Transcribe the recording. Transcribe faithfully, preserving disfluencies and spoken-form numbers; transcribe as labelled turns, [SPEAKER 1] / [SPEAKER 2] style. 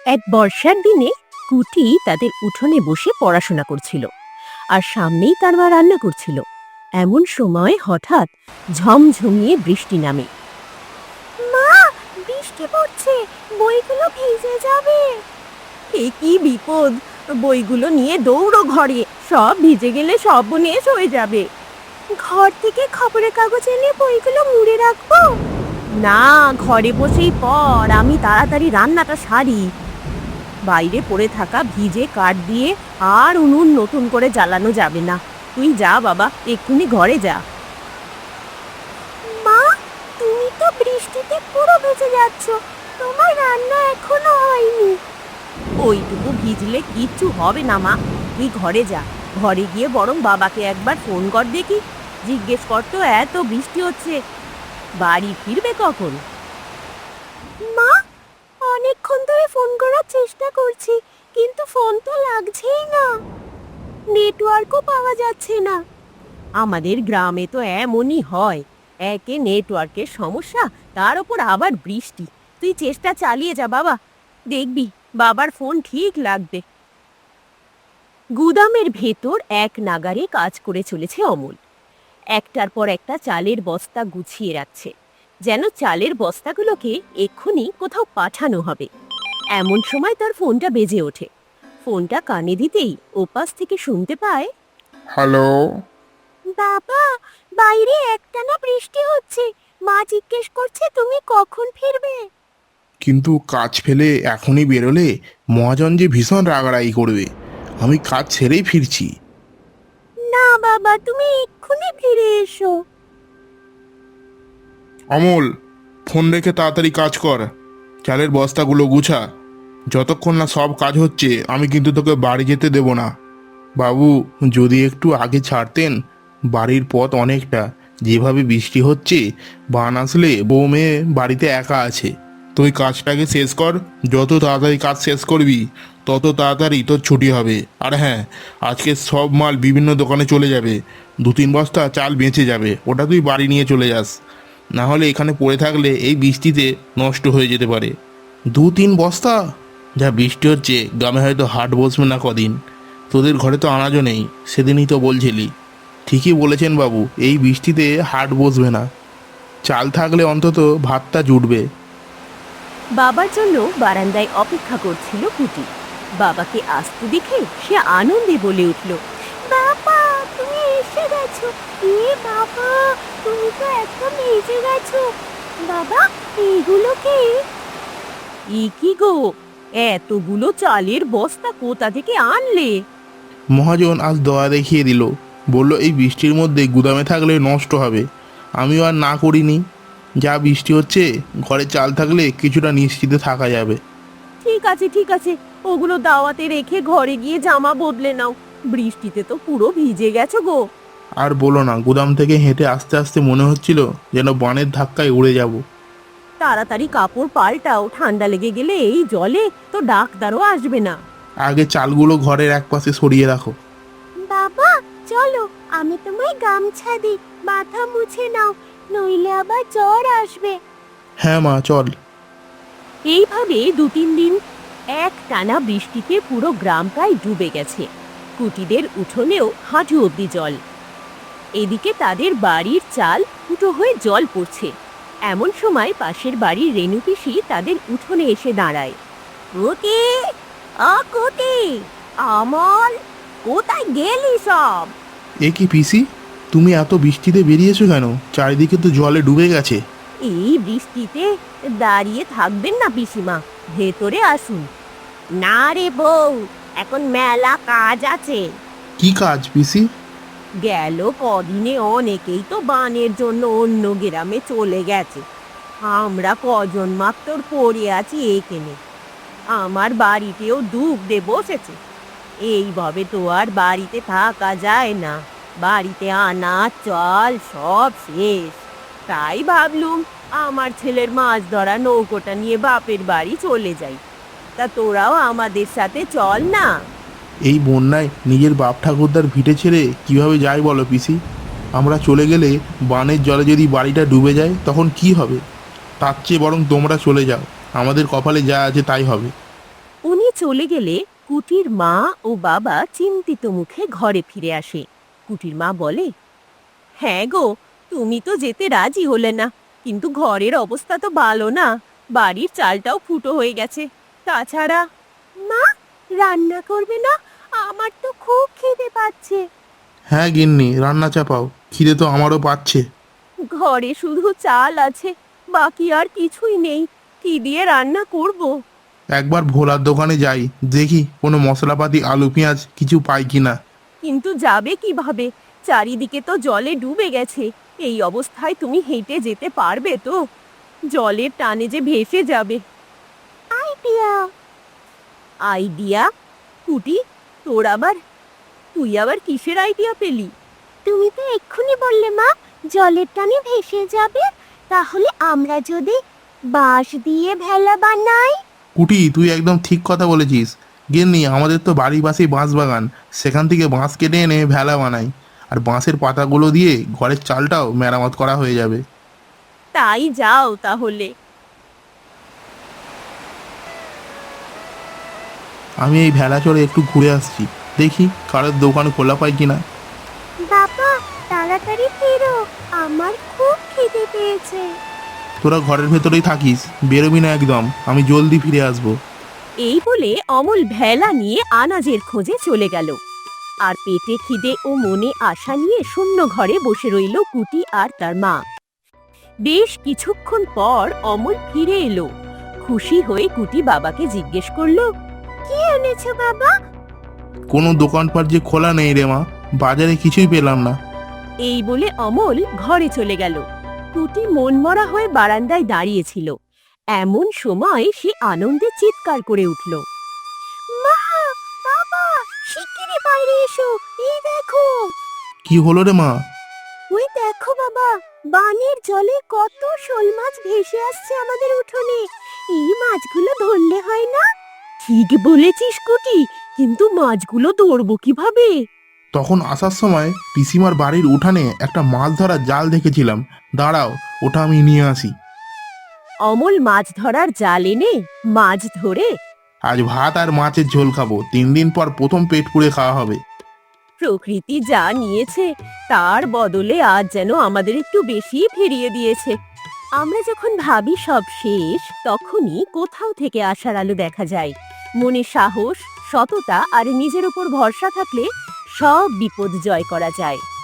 [SPEAKER 1] এক বর্ষার দিনে কুটি তাদের উঠোনে বসে পড়াশোনা করছিল আর সামনেই তার মা রান্না করছিল। এমন সময় হঠাৎ ঝমঝমিয়ে বৃষ্টি নামে। মা, বৃষ্টি পড়ছে, বইগুলো ভিজে যাবে। এ কি বিপদ! বইগুলো নিয়ে দৌড়ো ঘরে, সব ভিজে গেলে সর্বনাশ হয়ে যাবে। ঘর থেকে খবরের কাগজ এনে বইগুলো মুড়ে রাখবো? না, ঘরে বসেই পড়, আমি তাড়াতাড়ি রান্নাটা সারি। বাইরে পড়ে থাকা ভিজে কাঠ দিয়ে আর উনুন নতুন করে জ্বালানো যাবে না। তুই যা বাবা, এক্ষুনি ঘরে যা। মা, তুমি তো বৃষ্টিতে পুরো ভিজে যাচ্ছ, তোমার রান্না এখনো হয়নি। ওইটুকু ভিজলে কিচ্ছু হবে না মা, তুই ঘরে যা। ঘরে গিয়ে বরং বাবাকে একবার ফোন কর দেখি, জিজ্ঞেস কর তো এত বৃষ্টি হচ্ছে বাড়ি ফিরবে কখন। মা, অনেকক্ষণ ধরে ফোন করার চেষ্টা করছি, কিন্তু ফোন তো লাগছেই না, নেটওয়ার্কও পাওয়া যাচ্ছে না। আমাদের গ্রামে তো এমনই হয়, একে নেটওয়ার্কের সমস্যা, তার উপর আবার বৃষ্টি। তুই চেষ্টা চালিয়ে যা বাবা, দেখবি বাবার ফোন ঠিক লাগবে। গুদামের ভেতর এক নাগারে কাজ করে চলেছে অমল। একটার পর একটা চালের বস্তা গুছিয়ে রাখছে, যেন চালের বস্তাগুলোকে এক্ষুনি কোথাও পাঠানো হবে। এমন সময় তার ফোনটা বেজে ওঠে। ফোনটা কানে দিতেই ওপাশ থেকে শুনতে পায়,
[SPEAKER 2] হ্যালো।
[SPEAKER 1] বাবা, বাইরে একটানা বৃষ্টি হচ্ছে, মা জিজ্ঞেস করছে তুমি কখন ফিরবে।
[SPEAKER 2] কিন্তু কাজ ফেলে এখনই বেরোলে মহাজন যে ভীষণ রাগারাগি করবে। আমি কাজ ছেড়েই ফিরছি।
[SPEAKER 1] না বাবা, তুমি এক্ষুনি ফিরে এসো।
[SPEAKER 2] অমল, ফোন রেখে তাড়াতাড়ি কাজ কর, চালের বস্তাগুলো গুছা। যতক্ষণ না সব কাজ হচ্ছে আমি কিন্তু তোকে বাড়ি যেতে দেব না। বাবু, যদি একটু আগে ছাড়তেন, বাড়ির পথ অনেকটা, যেভাবে বৃষ্টি হচ্ছে বান আসলে বউ মেয়ে বাড়িতে একা আছে। তুই কাজটাকে শেষ কর, যত তাড়াতাড়ি কাজ শেষ করবি তত তাড়াতাড়ি তোর ছুটি হবে। আর হ্যাঁ, আজকে সব মাল বিভিন্ন দোকানে চলে যাবে, দু তিন বস্তা চাল বেঁচে যাবে, ওটা তুই বাড়ি নিয়ে চলে যাস। না হলে এখানে পড়ে থাকলে এই বৃষ্টিতে নষ্ট হয়ে যেতে পারে। দু তিন বস্তা? যা বৃষ্টি হচ্ছে গ্রামে হয়তো হাট বসবে না কদিন। তোদের ঘরে তো আনাজও নেই, সেদিনই তো বলছিলি। ঠিকই বলেছেন বাবু, এই বৃষ্টিতে হাট বসবে না, চাল থাকলে অন্তত ভাতটা জুটবে।
[SPEAKER 1] বাবার জন্য বারান্দায় অপেক্ষা করছিল কুটি। বাবাকে আসতে দেখে সে আনন্দে বলে উঠল, বাবা, তুমি এসে গেছো। এ বাবা, তুমি তো একদম এসে গেছো। বাবা, এইগুলো কি? ই কি গো, এতগুলো চালের বস্তা কোথা থেকে আনলে?
[SPEAKER 2] মহাজন আজ দয়া দেখিয়ে দিল, বলল এই বৃষ্টির মধ্যে গুদামে থাকলে নষ্ট হবে। আমিও আর না করিনি। যা বৃষ্টি হচ্ছে, ঘরে চাল থাকলে কিছুটা নিশ্চিন্তে থাকা যাবে।
[SPEAKER 1] ঠিক আছে ঠিক আছে, ওগুলো দাওয়াতে রেখে ঘরে গিয়ে জামা বদলে নাও, বৃষ্টিতে তো পুরো ভিজে গেছো গো।
[SPEAKER 2] আর বলো না, গুদাম থেকে হেঁটে আস্তে আস্তে মনে হচ্ছিল যেন বানের ধাক্কায় উড়ে যাব।
[SPEAKER 1] তাড়াতাড়ি কাপড় পাল্টাও, ঠান্ডা লেগে গেলে এই জলে তো ডাক্তারও আসবে না।
[SPEAKER 2] আগে চালগুলো ঘরের এক পাশে সরিয়ে রাখো।
[SPEAKER 1] বাবা, চলো, আমি তোমায় গামছা দিই, মাথা মুছে নাও, নইলে আবার জ্বর আসবে।
[SPEAKER 2] হ্যাঁ মা, চল।
[SPEAKER 1] এইভাবে দু তিন দিন এক টানা বৃষ্টিতে পুরো গ্রামটাই ডুবে গেছে। কুটিদের উঠোনেও হাঁটু অব্দি জল। এদিকে তাদের বাড়ির চাল ফুটো হয়ে জল পড়ছে। এমন সময় পাশের বাড়ির রেণু পিসি তাদের উঠোনে এসে দাঁড়ায়। কুটি, আ কুটি, আমল, কোথায় গেলি সব?
[SPEAKER 2] এ কি পিসি, তুমি এত বৃষ্টিতে বেরিয়েছো কেন? চারিদিকে তো জলে ডুবে গেছে।
[SPEAKER 1] এই বৃষ্টিতে দাঁড়িয়ে থাকবেন না পিসিমা, ভেতরে আসুন। না রে বউ, এখন মেলা কাজ আছে।
[SPEAKER 2] কি কাজ পিসি?
[SPEAKER 1] গেল কদিনে অনেকেই তো বানের জন্য অন্য গ্রামে চলে গেছে। আমরা কজন মাত্র পড়ে আছি এখানে। আমার বাড়িতেও ডুবতে বসেছে। এইভাবে তো আর বাড়িতে থাকা যায় না, বাড়িতে আনাজ চাল সব শেষ। তাই ভাবলুম আমার ছেলের মাছ ধরা নৌকোটা নিয়ে বাপের বাড়ি চলে যাই। তা তোরাও আমাদের সাথে চল না।
[SPEAKER 2] এই বন্যায় নিজের বাপ ঠাকুরদার ভিটে ছেড়ে কিভাবে যায় বলো পিসি? আমরা চলে গেলে বানের জলে যদি বাড়িটা ডুবে যায় তখন কি হবে? তার চেয়ে বরং তোমরা চলে যাও, আমাদের কপালে যা আছে তাই হবে।
[SPEAKER 1] চলে গেলে কুটির মা ও বাবা চিন্তিত মুখে ঘরে ফিরে আসে। কুটির মা বলে, হ্যাঁ গো, তুমি তো যেতে রাজি হলে না, কিন্তু ঘরের অবস্থা তো ভালো না, বাড়ির চালটাও ফুটো হয়ে গেছে। তাছাড়া মা, রান্না করবে না? আমার তো খুব খিদে পাচ্ছে।
[SPEAKER 2] হ্যাঁ গিন্নি, রান্না চাপাও, খিদে তো আমারও পাচ্ছে।
[SPEAKER 1] ঘরে শুধু চাল আছে, বাকি আর কিছুই নেই, কি দিয়ে রান্না করব?
[SPEAKER 2] একবার ভোলার দোকানে যাই, দেখি কোনো মশলাপাতি আলু পেঁয়াজ কিছু পাই কিনা।
[SPEAKER 1] কিন্তু যাবে কিভাবে? চারিদিকে তো জলে ডুবে গেছে। এই অবস্থায় তুমি হেঁটে যেতে পারবে তো? জলের টানে যে ভেসে যাবে। আইডিয়া আইডিয়া কুটি, তোর আবার তুই আবার কিসের আইডিয়া পেলি? তুমি তো এক্ষুনি বললে মা, জলের টানে ভেসে যাবে। তাহলে আমরা যদি বাঁশ দিয়ে ভেলা বানাই।
[SPEAKER 2] কুটি, তুই একদম ঠিক কথা বলেছিস। গিন্নি, আমাদের তো বাড়ির পাশেই বাঁশ বাগান, সেখান থেকে বাঁশ কেটে এনে ভেলা বানাই, আর বাঁশের পাতাগুলো দিয়ে ঘরের চালটাও মেরামত করা হয়ে যাবে।
[SPEAKER 1] তাই যাও তাহলে।
[SPEAKER 2] আমি এই ভেলা চড়ে একটু ঘুরে আসছি, দেখি কারোর দোকান খোলা পাই কিনা।
[SPEAKER 1] বাবা, তাড়াতাড়ি ফেরো, আমার খুব খিদে পেয়েছে।
[SPEAKER 2] তোরা ঘরের ভেতরেই থাকিস, বেরোবি না একদম, আমি জলদি ফিরে আসবো।
[SPEAKER 1] এই বলে অমল ভেলা নিয়ে আনাজের খোঁজে চলে গেল। আর পেটে খিদে ও মনে আশা নিয়ে শূন্য ঘরে বসে রইল কুটি আর তার মা। বেশ কিছুক্ষণ পর অমল ফিরে এলো। খুশি হয়ে কুটি বাবাকে জিজ্ঞেস করলো, কি এনেছো বাবা?
[SPEAKER 2] কোনো দোকানপাট যে খোলা নেই রে মা, বাজারে কিছুই পেলাম না।
[SPEAKER 1] এই বলে অমল ঘরে চলে গেল। কুটি মনমরা হয়ে বারান্দায় দাঁড়িয়েছিল। এমন সময় সে আনন্দে চিৎকার করে উঠল, মা, বাবা, শিগগিরই বাইরে এসো, এই দেখো।
[SPEAKER 2] কি হলো রে মা?
[SPEAKER 1] ওই দেখো বাবা, বানের জলে কত শোল মাছ ভেসে আসছে আমাদের উঠোনে। এই মাছগুলো ধরলে হয় না? ঠিক বলেছিস কুটি, কিন্তু মাছগুলো ধরবো কিভাবে?
[SPEAKER 2] তখন আসার সময় পিসিমার বাড়ির উঠানে একটা মাছ ধরার জাল দেখেছিলাম, দাঁড়াও ওটা আমি নিয়ে আসি।
[SPEAKER 1] অমল মাছ ধরার জাল এনে মাছ ধরে
[SPEAKER 2] আজ ভাত আর মাছের ঝোল খাবো, তিন দিন পর প্রথম পেট পুড়ে খাওয়া হবে।
[SPEAKER 1] প্রকৃতি যা নিয়েছে তার বদলে আজ যেন আমাদের একটু বেশি ফিরিয়ে দিয়েছে। আমরা যখন ভাবি সব শেষ, তখনই কোথাও থেকে আশার আলো দেখা যায়। মনে সাহস, সততা আর নিজের উপর ভরসা থাকলে সব বিপদ জয় করা যায়।